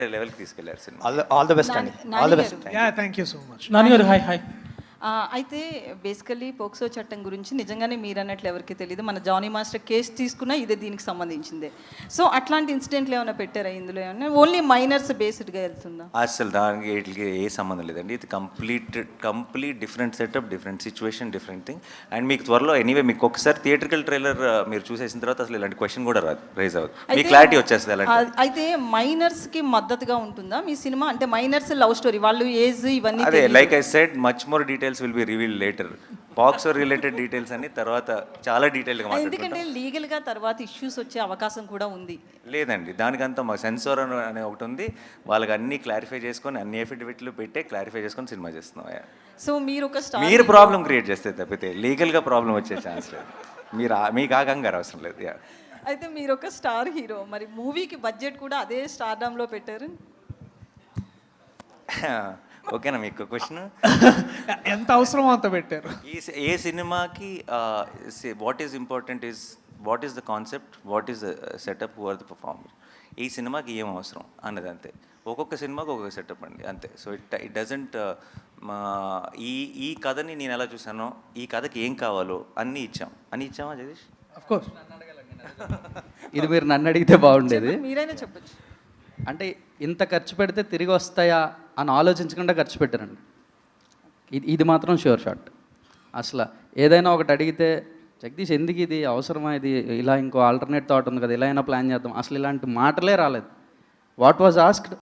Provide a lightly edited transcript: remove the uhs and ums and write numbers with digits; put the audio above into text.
లెవెల్కి తీసుకెళ్లారు సినిమా. ఆల్ ద బెస్ట్ అండి. All the best. Ya thank you so much. నాన్నగారు హాయ్ హాయ్. అయితే బేసికలీ పోక్సో చట్టం గురించి నిజంగానే మీరు అన్నట్లు ఎవరికి తెలియదు. మన జానీ మాస్టర్ కేసు తీసుకున్నా ఇదే దీనికి సంబంధించిందే. సో అట్లాంటి ఇన్సిడెంట్లు ఏమైనా పెట్టారా ఇందులో? ఏమైనా ఓన్లీ మైనర్స్ బేస్డ్గా వెళ్తుందా? అసలు దానికి వీటికి ఏ సంబంధం లేదండి. ఇది complete different setup, different situation, different thing. And మీకు త్వరలో ఎనీవే మీకు ఒకసారి థియేట్రికల్ ట్రైలర్ మీరు చూసేసిన తర్వాత అసలు ఇలాంటి క్వశ్చన్ కూడా రాదు, రైజ్ అవ్వదు, మీ క్లారిటీ వచ్చేస్తుంది. అలాంటి అయితే మైనర్స్కి మద్దతుగా ఉంటుందా మీ సినిమా? అంటే మైనర్స్ లవ్ స్టోరీ, వాళ్ళు ఏజ్ ఇవన్నీ అదే like I said much more details will be revealed later. POCSO related details అన్ని తర్వాత చాలా డీటెయిల్గా మాట్లాడుకుంటాం. ఎందుకంటే లీగల్గా తర్వాత ఇష్యూస్ వచ్చే అవకాశం కూడా ఉంది. లేదండి, దానికంతా మా సెన్సార్ అనే ఒకటి ఉంది. వాళ్ళకి అన్ని క్లారిఫై చేసుకొని అన్ని ఎఫిడవిట్లు పెట్టే క్లారిఫై చేసుకొని సినిమా చేస్తున్నాం. సో మీరు ఒక మీరు ప్రాబ్లం క్రియేట్ చేస్తే తప్పితే లీగల్గా ప్రాబ్లం వచ్చే ఛాన్స్ లేదు. మీకు ఆ కంగారు అవసరం లేదు. అయితే మీరు ఒక స్టార్ హీరో, మరి మూవీకి బడ్జెట్ కూడా అదే స్టార్డమ్లో పెట్టారు. ఓకేనా మీకు క్వశ్చన్? ఎంత అవసరమో అంత పెట్టారు. ఏ సినిమాకి what is important is what is the concept, what is the setup, who are the performer. ఈ సినిమాకి ఏం అవసరం అన్నది అంతే. ఒక్కొక్క సినిమాకి ఒక్కొక్క సెటప్ అండి, అంతే. సో ఇట్ డజంట్ ఈ కథని నేను ఎలా చూసానో, ఈ కథకి ఏం కావాలో అన్నీ ఇచ్చామా జగదీష్? Of course. ఇది మీరు నన్ను అడిగితే బాగుండేది. మీరైనా చెప్పచ్చు. అంటే ఇంత ఖర్చు పెడితే తిరిగి వస్తాయా అని ఆలోచించకుండా ఖర్చు పెట్టారండి. ఇది మాత్రం షూర్ షాట్. అసలు ఏదైనా ఒకటి అడిగితే జగదీష్ ఎందుకు ఇది అవసరమా, ఇది ఇలా ఇంకో ఆల్టర్నేట్ థాట్ ఉంది కదా, ఇలా అయినా ప్లాన్ చేద్దాం, అసలు ఇలాంటి మాటలే రాలేదు. What was asked